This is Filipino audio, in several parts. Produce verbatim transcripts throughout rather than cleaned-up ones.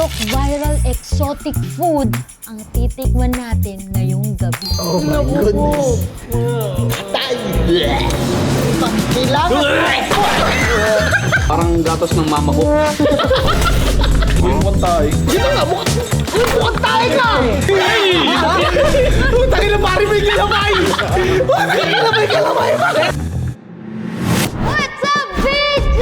most viral exotic food ang titikman natin ngayong gabi. Oh my goodness. Tay! Kailangan! Parang gatas ng mama ko. Mukhang tayo. Sino nga? Mukhang tayo ka! Tayo na pari may kalamay! May kalamay, kalamay! What's up, B G?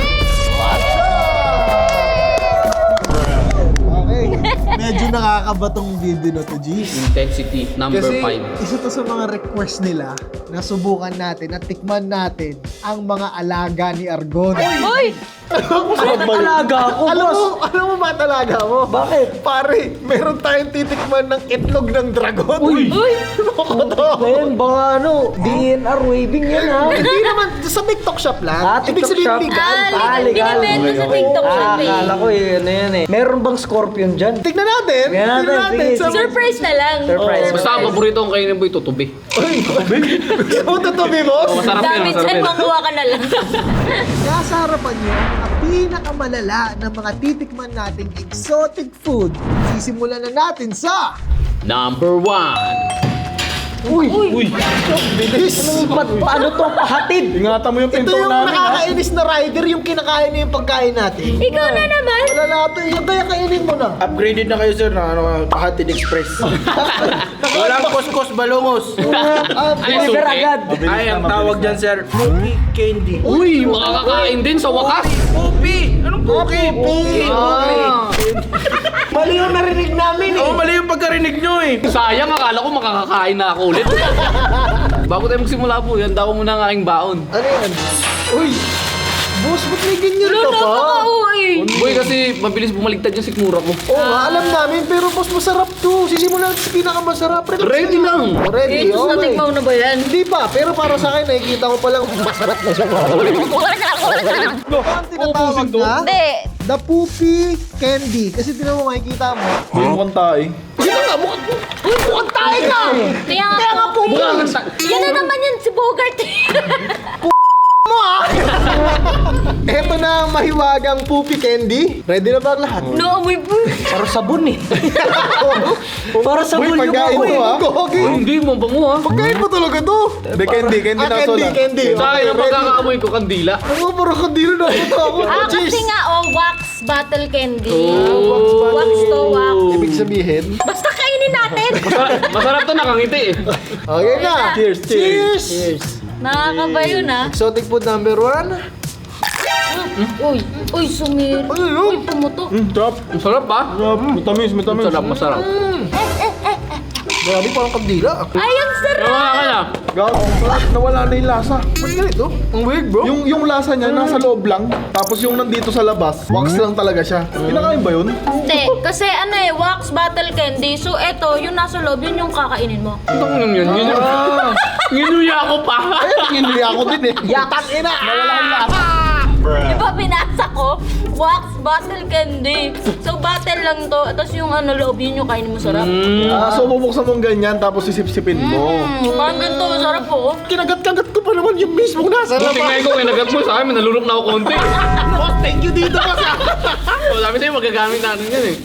Okay, medyo nakakaba tong video na to, G. Intensity number Kasi five. isa to sa mga request nila na subukan natin at tikman natin ang mga alaga ni Argon. Uy! Talaga ako, Alam mo, alam mo ba talaga mo? Bakit? Pare, meron tayong titikman ng itlog ng dragon. Uy! Uy! Ano to? Ngayon, baka ano, D N R waving yan ha. Hindi naman, sa TikTok shop lang. Ah, Ibig TikTok sabihin shop. legal. Ah, legal. Binibenta sa TikTok shop Ah, eh. akala ko yun, ano yan eh. Meron bang scorpion dyan? Tignan natin. Tignan natin, sige, Sa- sige. Surprise na lang. Surprise. Basta ang paborito kong kainin mo ito, tubi. Uy, gusto mo tutubi, boss? Oh, masarap yan, David, masarap saan yan. makuha ka na lang? Nasa harapan niyo ang pinakamalala ng mga titikman nating exotic food. Sisimulan na natin sa... Number one. Uy! Uy! Bilis! Ba't paano to pahatid? Ingatan mo yung Ito pinto yung namin, ha? nakakainis na rider, yung kinakain niya yung pagkain natin. Ikaw na naman! Wala na ito, yung kaya kainin mo na. Upgraded na kayo, sir, na ano, Pahatid Express. Walang kuskus balungos. Ah, Ay, Deliver suki. agad! Ay, ang tawag dyan, sir, Poopy Candy. Uy, makakakain din sa wakas. Poopy! Anong Poopy? Poopy! Ah. mali yung narinig namin eh. Oo, mali yung pagkarinig nyo eh. Sayang, akala ko makakakain na ako ulit. Bago tayo magsimula po, yan daw muna ang aking baon. Ano yan? Uy! Boss, ba't may ganyan ka Luto pa? ka uy! Boy, kasi mabilis bumaligtad yung sikmura ko. Oo nga, alam namin, pero boss, masarap to. Sisimulan natin sa pinakamasarap. Ready lang. Oh, ready, Eh, ito okay. natikmaw na ba yan? Hindi pa, pero para sa akin, nakikita ko palang masarap na siya. Ang tinatawag na, Hindi. the poopy candy. Kasi tinan mo, makikita mo. Mukhang tayo. Sino nga? Mukhang, uy, mukhang tayo ka! Kaya nga Kaya nga po. poopy! Yan na naman yan si Bogart. mo ah! Eto na ang mahiwagang poopy candy. Ready na ba ang lahat? No, amoy po. Para sabon eh. Para sabon Uy, yung pagkain ako mo eh. ah. Gogi. Ay, hindi mo, bango ha. Pagkain mo talaga to. Hindi, candy, candy Ah, na candy, soda. candy. Sa akin, ang ready. pagkakaamoy ko, kandila. Ano, parang kandilo na ito ako. Ah, Cheers. kasi nga, oh, wax battle candy. Oh. Wax to wax. Ibig sabihin, Basta kainin natin. Masarap, masarap to, nakangiti eh. okay na. Cheers, cheers. Cheers. Nakakaba yun ah. Exotic food number one. Uy, uy, sumir. Ano yun? Uy, pumutok. Mm, trap. Ang sarap ba? Trap. Matamis, matamis. Masarap, masarap. Grabe, parang kandila. Ay, ang sarap. Nawa ka na. Gago, sarap. Nawala na yung lasa. Ba't ganito? Ang weird, bro. Yung yung lasa niya nasa loob lang, tapos yung nandito sa labas, wax lang talaga siya. Kinakain ba yun? Hindi, kasi ano eh, wax battle candy. So, eto, yung nasa loob, yun yung kakainin mo. Ito ko yun yun. Yun Ah, Nginuya ko pa. Kinuli ako din eh. Yatak ina! Nawala yung lasa. Di ba binasa ko? Wax battle candy. So, battle lang to. Tapos yung ano loob, yun yung kainin mo sarap. Ah, so bubuksan mong ganyan, tapos sisip-sipin mo. Mm, parang ganito, masarap po. Kinagat-kagat ko pa naman yung mismong nasa Buti nga labas. ko, kinagat mo sa akin, nalulok na ako konti. Boss, thank you dito boss. So, sabi sa'yo, magagamit natin yan eh.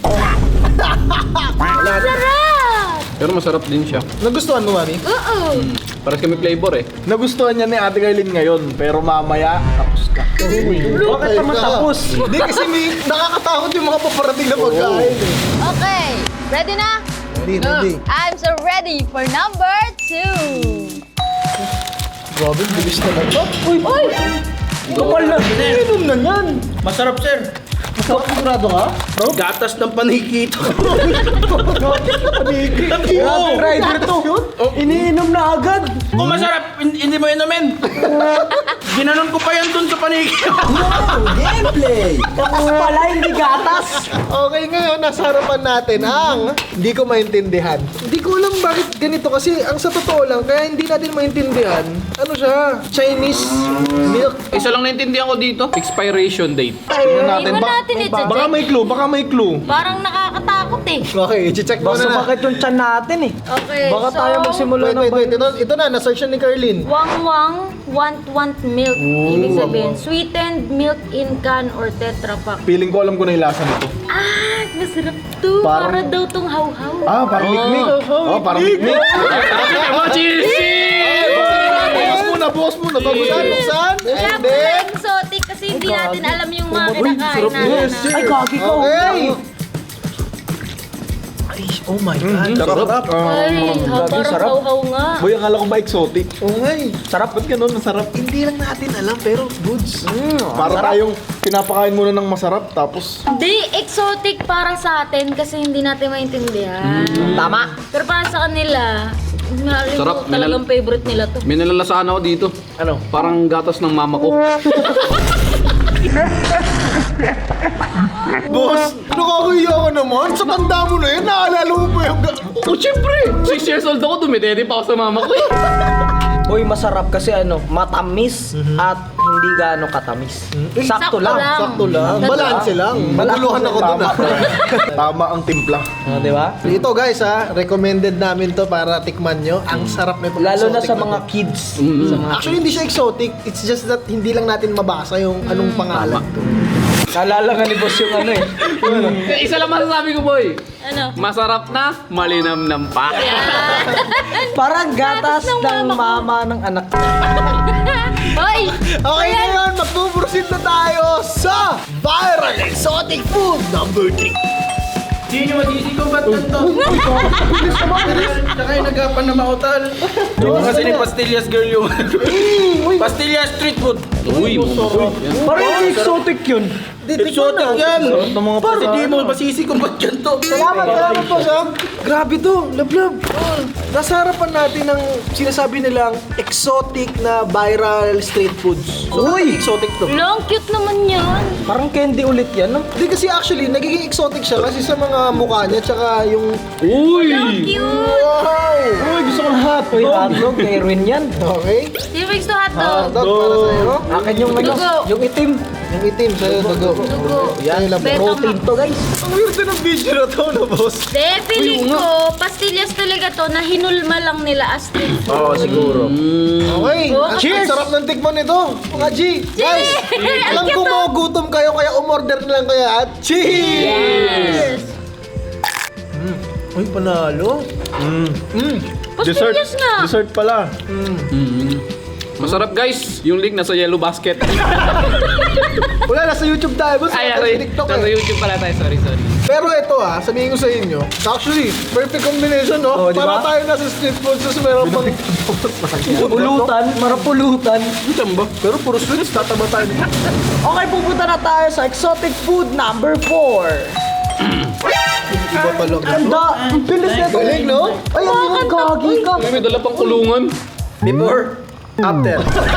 Sarap! Pero masarap din siya. Nagustuhan mo, Mami? Oo. Paras kami flavor eh. Nagustuhan niya ni Ate Kailin ngayon, pero mamaya, tapos ka. Bakit naman tapos? Hindi kasi may nakakatakot yung mga paparating na pagkain. eh. Okay, ready na? Ready, ready. I'm so ready for number two. Grabe, bilis naman to. Uy! Uy! Kapal na. Inom na yan. Masarap, sir. Masarap sigurado ka? Bro? Gatas ng panikito. Grabe rider to. Iniinom na agad. Kung masarap, hin- hindi mo inumin. Ginanon ko pa yan dun sa panikito. Gameplay. Tapos pala hindi gatas. Okay, ngayon nasa harapan natin ang hindi ko maintindihan. Hindi ko alam bakit ganito kasi ang sa totoo lang kaya hindi natin maintindihan. Ano siya? Chinese milk. Isa lang naintindihan ko dito, expiration date. Tingnan natin. Iwan Ba- natin ito. baka may clue, baka may clue. Parang nakakatakot natatakot eh. Okay, i-check mo Basta na. bakit yung chan natin eh. Okay, Baka so... tayo magsimula Wait, ng wait, wait. Ito, ito na, na-search na ni Carlin. Wang-wang, want-want milk. Ibig sabihin, sweetened milk in can or Tetra Pak. Feeling ko alam ko na yung lasa nito. Ah, masarap to. Parang- Para daw tong how-how. Ah, parang mikmik. Oh, parang mikmik. Mga cheesy! Bukas muna, bukas muna. Bago Buksan, tayo. buksan. Kaya And po then... exotic kasi hindi natin alam yung mga kinakain natin. Yes, ah. sir. Ay, gagi ka. Okay. Ay, oh my God. Sarap. Ay, ha, parang sarap. how-how nga. Boy, akala ko ba exotic? Oh my. Sarap. Ba't ganun? Masarap. Hindi lang natin alam, pero goods. Para tayong pinapakain muna ng masarap, tapos... Hindi, exotic para sa atin kasi hindi natin maintindihan. Tama. Pero para sa kanila, maaaring Sarap, ko talagang favorite nila to. May nalalasaan ako dito. Ano? Parang gatas ng mama ko. Boss, nakakahiya ka naman. Sa tanda mo na yun, naalala mo pa yung... Oh, syempre! Six years old ako, dumidede pa ako sa mama ko eh. Boy, masarap kasi ano, matamis at hindi gaano katamis. Sakto lang. Sakto lang. Balanse lang. Maguluhan ako doon ah. Tama ang timpla. Oh, di ba? Ito guys ha, recommended namin to para tikman nyo. Ang sarap na itong Lalo na exotic sa mga to. kids. Sa mga- Actually, hindi siya exotic. It's just that hindi lang natin mabasa yung anong pangalan. Naalala nga ni boss yung ano eh. Isa lang masasabi ko, boy. Ano? Masarap na, malinamnam pa. Yan. Parang gatas Gatas ng ng mama ng anak. Hoy! Okay, ngayon, magpuproceed na tayo sa viral exotic food number three. Hindi nyo masisi ko ba't ganito? Bilis naman, bilis. Tsaka yung nagapan na mautal. Yung kasi ni Pastillas girl yung Pastillas street food. Uy, masarap. Parang hindi exotic yun. Exotic yan. Itong mga pasi, di mo masisi kung ba't ganito. Salamat, salamat po, Sam. Grabe to, lablab. Nasa harapan natin ng sinasabi nilang exotic na viral street foods. So, Uy! exotic to. Long cute naman yan. Parang candy ulit yan, no? Hindi kasi actually, nagiging exotic siya kasi sa mga mukha niya tsaka yung... Uy! Cute! Wow! Uy, gusto ko ng hotdog. Uy, hotdog, kay Erwin yan. Okay. Di ba gusto hotdog? Hotdog para sa'yo. Akin yung ano, Dugo. yung itim. Yung itim sa'yo, dugo. Dugo. Yan, labo. Betong- Protein to, guys. Ang weird ng video na to, no, boss? De, feeling ko, pastillas talaga to na hinulma lang nila as street food. Oo, siguro. Okay. Oh, Ang- cheers! Ang sarap ng tikman nito. Mga G. Guys, Cheers! alam Ang ko cute, oh. magugutom kayo kaya umorder na lang kaya at cheers! Yes! Uy, panalo. Pastillas nga! Dessert pala. Masarap guys, yung link nasa yellow basket. Wala, nasa YouTube tayo. Boss. Ay, Nasa sorry. TikTok Nasa eh. YouTube pala tayo, sorry, sorry. Pero ito ah, sabihin ko sa inyo, actually, perfect combination, no? Oh, di Para ba? tayo nasa street food, tapos meron pang... Pulutan, marapulutan. Pero puro sweets, tataba tayo. Okay, pupunta na tayo sa exotic food number four. Iba talaga. Ganda, ang bilis nito. Galing, no? Ay, ang gagi ka. Ay, may dala pang kulungan. Before, after.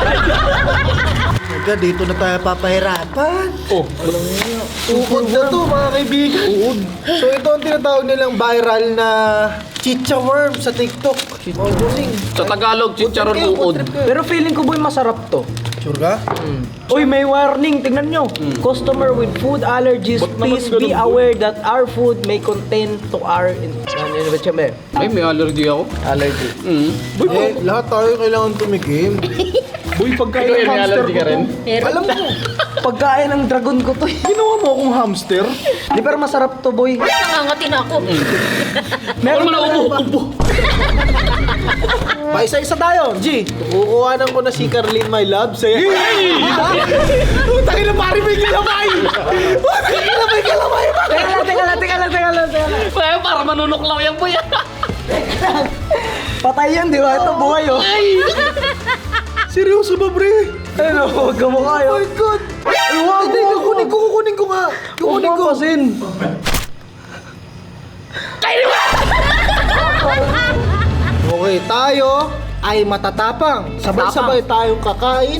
Aga, dito na tayo papahirapan. Oh, Uod na to, mga kaibigan. Uod. So ito ang tinatawag nilang viral na chicha worm sa TikTok. Oh, bossing. sa Tagalog, chicharon Food trip kayo, food uod. trip kayo. Pero feeling ko boy masarap to. Sure ka? Uy, may warning. Tingnan nyo. Customer with food allergies, Ba't naman please ganun, be boy? aware that our food may contain to our... In, ano yun ba siya, be? Ay, may allergy ako. Allergy. Mm. Eh, lahat tayo kailangan tumikim. Boy, pagkain Ikaw ng yun, may hamster allergy ko ka rin. to. Meron. Alam mo, Pagkain ng dragon ko to. eh. Ginawa mo akong hamster? Di pero masarap to, boy. Nangangatin ako. Ano mo na upo, upo. pa isa-isa tayo. G, kukuhanan ko na si Carlin, my love. Say, Utangin na pari, may kalamay! Utangin na may kalamay! Teka lang, teka lang, teka lang, teka lang, teka lang. Kaya para manunuklaw yan po yan. Patay yan, di ba? Ito buhay, oh. Seryoso ba, pre? Ano, huwag ka mukha, Oh oh. my God! Ay, wag, hindi, kukunin ko, kukunin ko nga. Kukunin ko. Pasin. Okay, tayo ay matatapang. Sabay-sabay tayong kakain.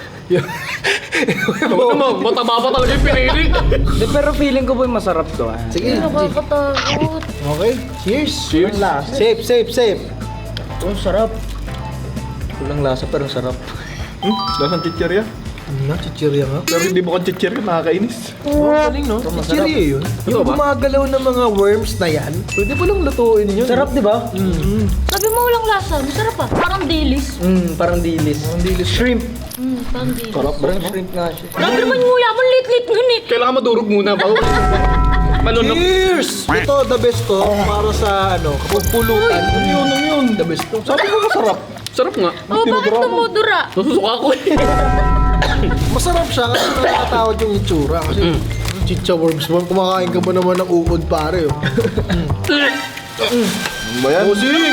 Ano naman, mataba pa talaga yung pinili. Di, pero feeling ko, boy, masarap to, ah. Sige, G. Nakakatakot. Okay, cheers. Cheers. Safe, safe, safe. Oh, sarap. Kulang lasa, pero sarap. Hmm? Lasang chichirya? Nga, chichirya nga. Pero hindi mo chichir yun, nakakainis. Oh, galing no? Chichirya yun. Yung gumagalaw ng mga worms na yan, pwede pa lang lutuin yun. Sarap, di ba? Sabi mo walang lasa, masarap ah. Parang dilis. Mm, parang dilis. Parang dilis. Shrimp. Hmm, parang dilis. Parang shrimp nga siya. Grabe naman yung uya mo, lit-lit nun eh. Kailangan madurog muna ba? Malunok. Cheers! Ito, the best to, para sa ano, kapagpulutan. Ano yun, ano yun? The best to. Sabi ko masarap. Sarap nga. Oh, bakit tumudura? Nasusuka ko eh. Masarap siya kasi nakakatawad yung itsura. Kasi chicha worms mo, kumakain ka ba naman ng uod pare. Oh. Ano ba yan? Busing!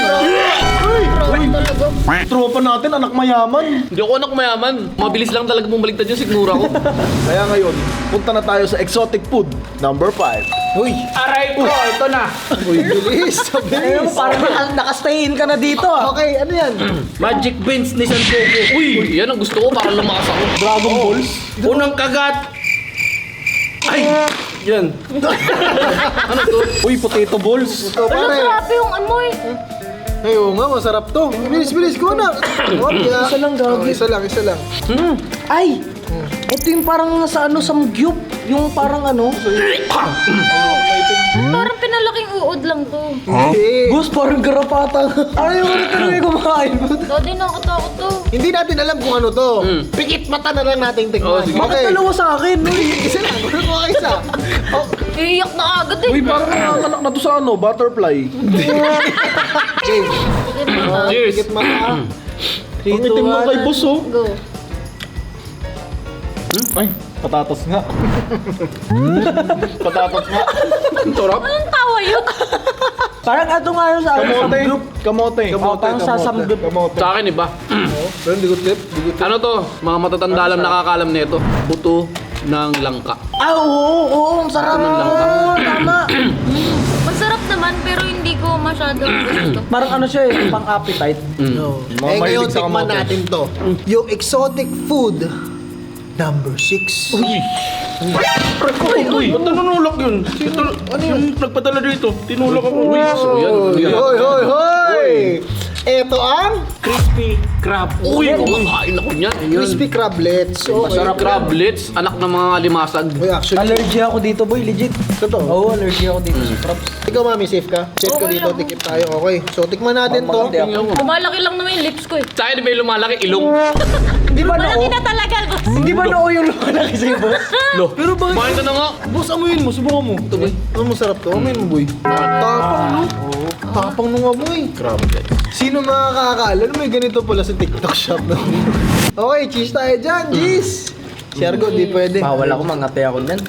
Tropa natin, anak mayaman. Hindi ako anak mayaman. Mabilis lang talaga bumaliktad yung sigmura ko. Kaya ngayon, punta na tayo sa exotic food, number five. Uy! Aray ko, ito na. Uy, bilis! Ayun, Bilis! parang naka- nakastayin ka na dito ah. Okay, ano yan? Magic beans ni Santoku. Uy, yan ang gusto ko para lumakas ako. Dragon Balls. Unang kagat. Ay! Yan. Ano to? Uy, potato balls. Ito, Walang pare. grabe yung amoy. Ay, oo nga, masarap to. Bilis, bilis ko na. Okay, ah. Isa lang, Oh, gagi. isa lang, isa lang. Ay! Ito yung parang nasa ano, samgyup. Yung parang ano. Parang pinalaking uod lang to. Hindi. Gus, parang garapata. Ayaw ko na talaga kumakain. Ito din nakatakot to. Hindi natin alam kung ano to. Pikit mata na lang nating Oh, tingnan. sige. Bakit dalawa sa akin? Uy, isa lang. Ano ko isa? Oh, Iiyak na agad eh. Uy, parang nanganganak na to sa ano, butterfly. game. Cheers. Pikit mata. Ang itim mo kay boss, oh. Go. Ay, patatas nga. Patatas nga. Sarap. Anong tawa yun? Parang ato nga yun sa ano, Kamote. samgyup. Kamote. Oh, parang sa samgyup. Kamote. Sa akin iba. Pero hindi ko tip. Hindi ko tip. Ano to? Mga matatanda lang nakakalam nito. Buto ng langka. Ah, oo, oo, ang sarap. Ano lang ba? Oo, tama. Masarap naman pero hindi ko masyadong gusto. Parang ano siya eh, pang appetite. No. Mga Eh ngayon, mahilig sa tikman kamote. natin to. Yung exotic food, number six. Uy! Uy, uy. Ba't nanunulak yun? Ito, ano yung nagpadala dito? Tinulak ako. Uy, So yan. Hoy, yan. hoy, hoy, hoy! Ito ang crispy crab. Uy, kumakain ako niyan. crispy crablets. Okay. Masarap crablets, anak ng mga limasag. Uy, actually, Allergy ako dito, boy, legit. totoo. Oo, allergy ako dito sa props. Ikaw, mami, safe ka? Safe ka Okay dito, lang. tikip tayo. Okay, so tikman natin to. Maganda ako. Kumalaki lang naman yung lips ko eh. Sa akin may lumalaki ilong. Di ba Malaki noo? na talaga. boss. Hindi ba noo yung lumalaki sa'yo, boss? Lo, pero bakit? Kumain ka na nga. Boss, amuyin mo, subukan mo. Ito, boy. Ano masarap to? Amuyin mo, boy. Tapang, no? Tapang nung amoy. Crablets. Sino makakakala na may ganito pala sa TikTok shop no? Okay, cheese tayo dyan, cheese! Si Argo, di pwede. Bawal ako, mangate ako niyan.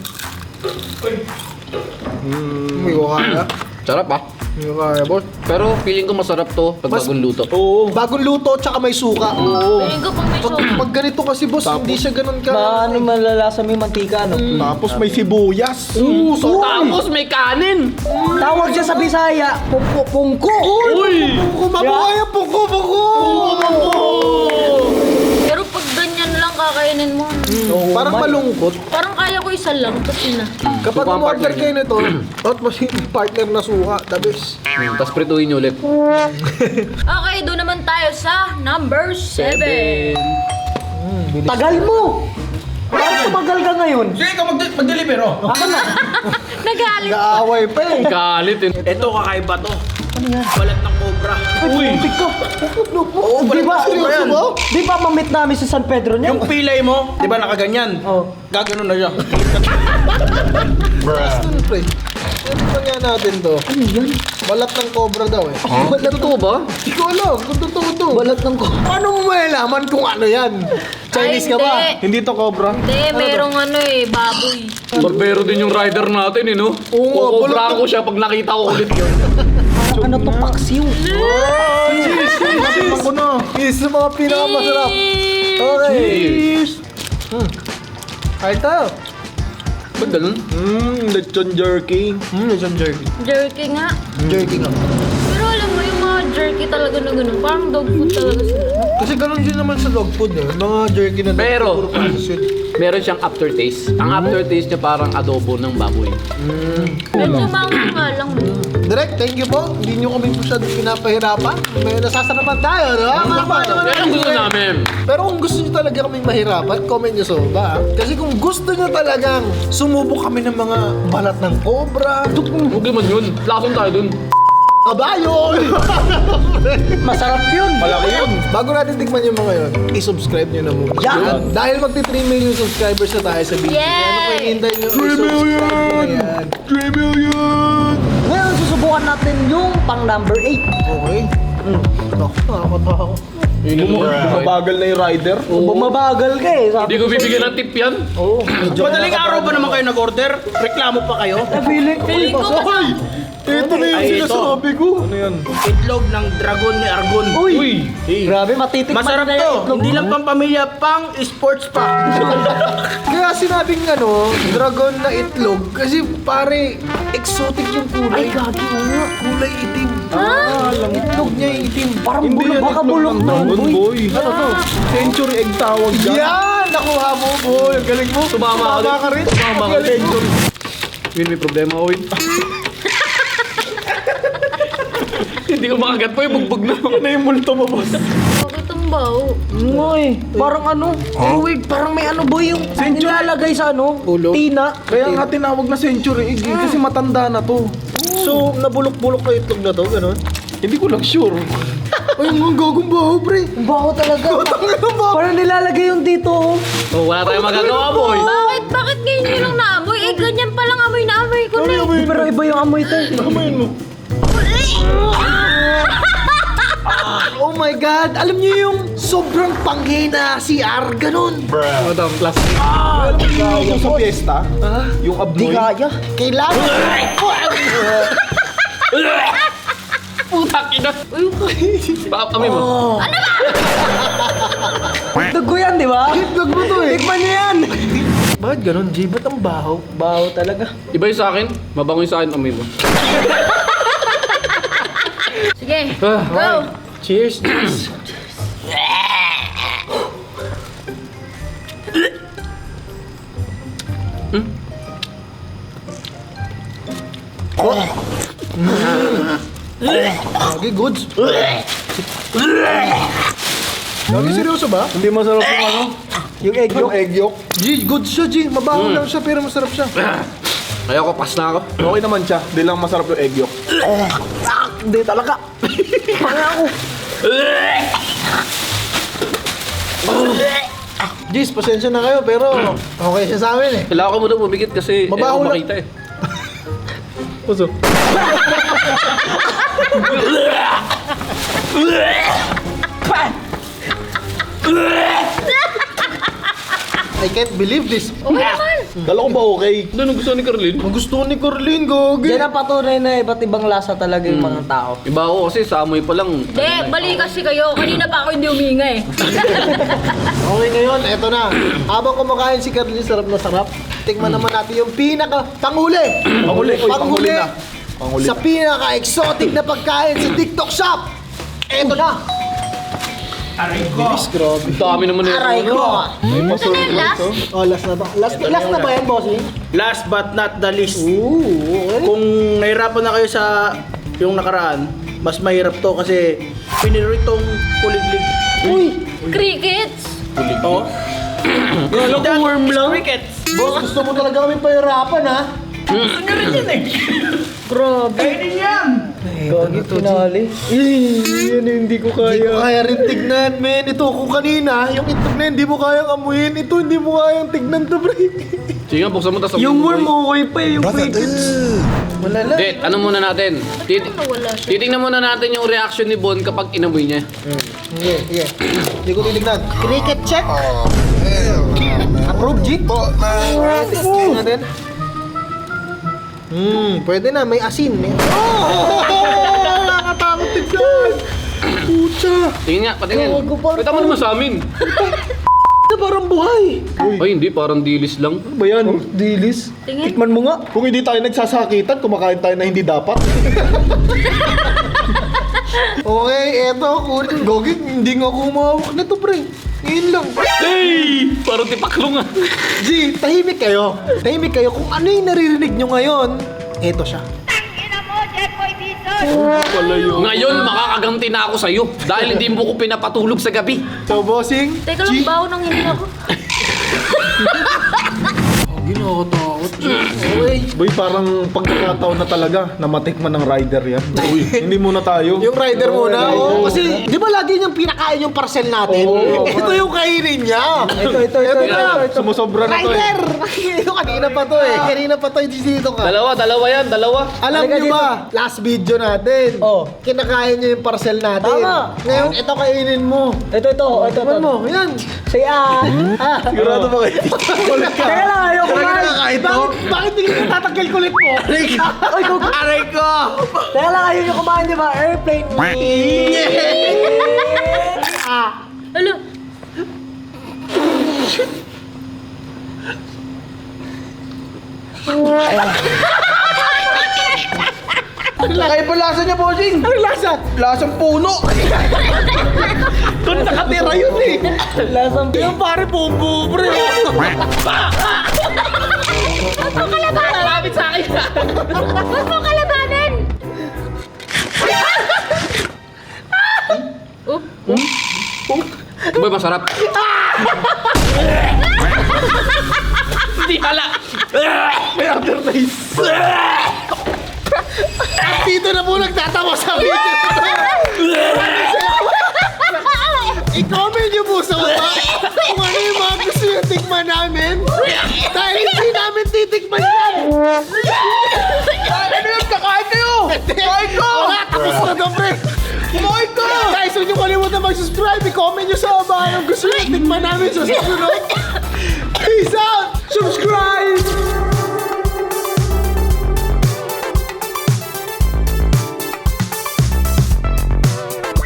May kaya. Sarap ah. May kaya, boss. Pero feeling ko masarap to pag Mas- bagong luto. Oo. Bagong luto, tsaka may suka. Oo. Feeling ko pang may Pag, soda. pag ganito kasi, boss, hindi siya ganun ka. Maano malalasa mo yung mantika, no? Tapos may sibuyas. Oo, so tapos may kanin. Tawag siya sa Bisaya, pungko, pungko. Uy! Puko, mabuhay ang puko, puko! Pero pag ganyan lang kakainin mo, Parang malungkot. parang kaya ko isa lang. Tapos yun na. Kapag Suka ang umorder partner kayo nito, at mas partner na suka, the best. Tapos prituhin nyo ulit. Okay, doon naman tayo sa number seven. Tagal mo! Bakit tumagal ka ngayon? Sige ka mag- mag-deliver, oh. Nagalit. Kaaway pa eh. Galit eh. Ito, kakaiba to. Ano yan? Balat ng cobra. Uy! Oo, di ba? Seryoso ba? Di ba mamit namin sa San Pedro niyan? Yung pilay mo, di ba nakaganyan? Oh. Gaganon na siya. Ano, pre? Ano pa nga natin to? Ano yan? Balat ng cobra daw eh. Balat totoo ba? Hindi ko alam kung totoo to. Balat ng ko. Paano mo malalaman kung ano yan? Chinese ka Ay, ba? hindi. Hindi to cobra. Hindi, merong ano eh, baboy. Barbero din yung rider natin eh no? Oo nga, Kukobra balat- ko siya pag nakita ko ulit yun. Ano to, paksiw? Oh, cheese! Cheese! Ako na. Cheese sa mga pinakamasarap. Okay. Cheers! Hmm. Ay, tayo. Ba't ganun? Mmm, lechon jerky. Hmm, lechon jerky. Jerky nga. Jerky nga. Pero alam mo, yung mga jerky talaga na gano'n, parang dog food talaga sila. Kasi ganun din naman sa dog food eh. Mga jerky na dog Pero- food, puro processed yun. Meron siyang aftertaste. Ang aftertaste niya parang adobo ng baboy. Medyo mango nga lang. The Direk, thank you po. Hindi nyo kami masyadong pinapahirapan. May nasasarapan tayo, no? Mama naman Yan ang gusto namin. Pero kung gusto nyo talaga kaming mahirapan, comment nyo sa baba. Kasi kung gusto nyo talagang sumubok kami ng mga balat ng cobra, Huwag naman yun. Lason tayo dun. kabayo! Masarap yun. Malaki yun. Bago natin tikman yung mga yun, i-subscribe nyo na muna. Yan. Dahil magti three million subscribers na tayo sa video. Yay! Ano pa hinihintay nyo? I-subscribe nyo na yan. three million! Ngayon, susubukan natin yung pang number eight. Okay. Hmm. Ako, nakakatawa ko. Bumabagal na yung rider. Bumabagal ka eh. Sabi Hindi ko bibigyan ng tip yan. Oo. Madaling araw ba naman kayo nag-order? Reklamo pa kayo? Feeling ko. Feeling ko Ay! Ito na yung Ay, ito. sinasabi ko. Ano yan? Itlog ng dragon ni Argon. Uy! Grabe, matitikman Masarap na to. yung itlog. Hindi lang pang pamilya, pang sports pa. Kaya sinabing ano, dragon na itlog kasi pare exotic yung kulay. Ay, gagi mo nga. Kulay itim. Ah? Itlog niya yung itim. Parang Hindi bulok, yan baka itlog bulok ng na yun, dragon, boy. boy. Ano to? Century egg tawag dyan. Yan! Nakuha mo, boy. Ang galing mo. Sumama ka din. ka rin. Sumama Ang ka galing mo. Win, may problema ako, Win. Hindi ko makagat po yung bugbog na. Ano yung multo mo, boss? Bakit ang baho? Ngoy, parang ano, uwig, parang may ano boy yung nilalagay sa ano, Ulo? tina. Kaya nga tinawag na century egg eh, kasi matanda na to. So, nabulok-bulok na itlog na to, gano'n? Hindi ko lang sure. Ay, ang gagong baho, pre. Ang baho talaga. Parang nilalagay yung dito. oh. Oh, wala tayong magagawa, boy. Bakit? Bakit ngayon nyo lang naamoy? Eh, ganyan palang amoy na amoy ko na eh. Pero iba yung amoy ito. Namayin mo. Oh my God! Alam niyo yung sobrang panghe na C R, ganun. Madam, plastic. Yung sa fiesta, yung Di abnoy. kaya. Kailangan. Putak ina. Baka kami mo. Dugo yan, di ba? Itlog mo to eh. Tikman niyo yan. Bakit ganun, G? Ba't ang baho? Baho talaga. Iba yung sa akin. Mabango yung sa akin, amoy mo. Sige, Ah, go! Cheers, cheers. Okay, goods. Lagi seryoso ba? Hindi masarap yung ano? Yung egg Yung egg yolk. G, good siya, G. Mabaho lang siya, pero masarap siya. Kaya ko, pass na ako. Okay naman siya. Hindi lang masarap yung egg yolk. Hindi talaga. Parang ako. Gis, pasensya na kayo, pero okay siya sa amin eh. Kailangan ko muna bumigit kasi Mabaho eh, lang. makita eh. Puso. I can't believe this. Okay naman! Kala ko ba okay? Ano nung gusto ni Carlin? Ang gusto ni Corlin, gogi. Yan ang patunay na iba't ibang lasa talaga yung mga tao. Iba ako kasi sa amoy pa lang. Hindi, bali kasi kayo. Kanina pa ako hindi huminga eh. Okay ngayon, eto na. Habang kumakain si Carlin, sarap na sarap. Tikman naman natin yung pinaka panghuli. Panghuli, uy, panghuli na. Panghuli. Sa pinaka-exotic na pagkain sa TikTok shop. Eto na. Aray ko. Bilis, grabe. Ang dami naman nito. Aray ko. May masarap Ano yung last? to. Oh, last na to. Last, last na ba yan, bossing? Last but not the least. Ooh, okay. Kung nahirapan na kayo sa yung nakaraan, mas mahirap to kasi piniritong kuliglig. Uy, Crickets! Oh. Kala ko worm lang. Crickets. boss, gusto mo talaga kami pahirapan, ha? Gusto rin yun eh. Grabe. Kainin yan. Gagi pinali. Eh, yan yung hindi ko kaya. Hindi ko kaya rin tignan, men. Ito, kung kanina, yung itlog na hindi mo kayang amuyin. Ito, hindi mo kayang tignan to, pre. Sige nga, buksan mo tas Yung worm okay pa eh, yung crickets. Wala lang. Hindi, ano muna natin? Tit Nawala siya. titingnan muna natin yung reaction ni Bon kapag inamoy niya. Sige, sige. Hindi ko titignan. Cricket check. Approve, G. Tignan natin. Hmm, pwede na. May asin. May... Oh! Nakakatakot tignan. Pucha. Tingin nga, patingin. Gago, parang- Kita mo naman sa amin. Ito parang buhay. Ay, hindi, parang dilis lang. Ano ba yan? Dilis. Tingin. Tikman mo nga. Kung hindi tayo nagsasakitan, kumakain tayo na hindi dapat. Okay, eto. Kunin. Gogi, hindi nga ako umawak nito, pre. Ngayon lang. Hey! Parang tipaklong ah. G, tahimik kayo. Tahimik kayo. Kung ano yung naririnig nyo ngayon, eto siya. Tangina mo, Jeffoy B Pala yun. Ngayon, makakaganti na ako sa'yo dahil hindi mo ko pinapatulog sa gabi. So, bossing, Teka lang, bawo nang hindi ako. Boy, parang pagkakataon na talaga na matikman ng rider yan. Uy, hindi muna tayo. yung rider muna. Oo, kasi di ba lagi niyang pinakain yung parcel natin? Ito yung kainin niya. Ito, ito, ito, ito, ito, ito. Sumusobra na to eh. Rider! Ito kanina pa to eh. Kanina pa to dito ka. Dalawa, dalawa yan, dalawa. Alam Halika niyo ba, last video natin, Oh. kinakain niya yung parcel natin. Tama. Ngayon, ito kainin mo. Ito, ito, ito, ito. Tikman mo, yan. Say ah. Ah. Sigurado ba kayo? Kulit ka. Teka lang, ayaw ko man. Bakit, bakit hindi ka tatanggal kulit mo? Ay, ko. Aray ko. Teka lang, ayaw nyo kumain, di ba? Airplane. Ah. Alo. Kakaiba lasa niya, bossing. Anong lasa? Lasang puno. Doon nakatira yun eh. Lasang Yung pare, bumbu, pre. Malapit sa akin. Huwag mo kalabanin! Oh, Boy, masarap. Hindi pala. May aftertaste. Dito na po nagtatawa sa video. I-comment niyo po sa baba kung ano yung mga gusto yung tikman namin. Dahil hindi namin titikman yan. Ano yun? Kakain kayo! Kakain ko! Wala, tapos na daw, pre. Kumain ko! Guys, huwag niyo kalimutan mag-subscribe. I-comment niyo sa baba anong gusto yung tikman namin sa susunod. Peace out!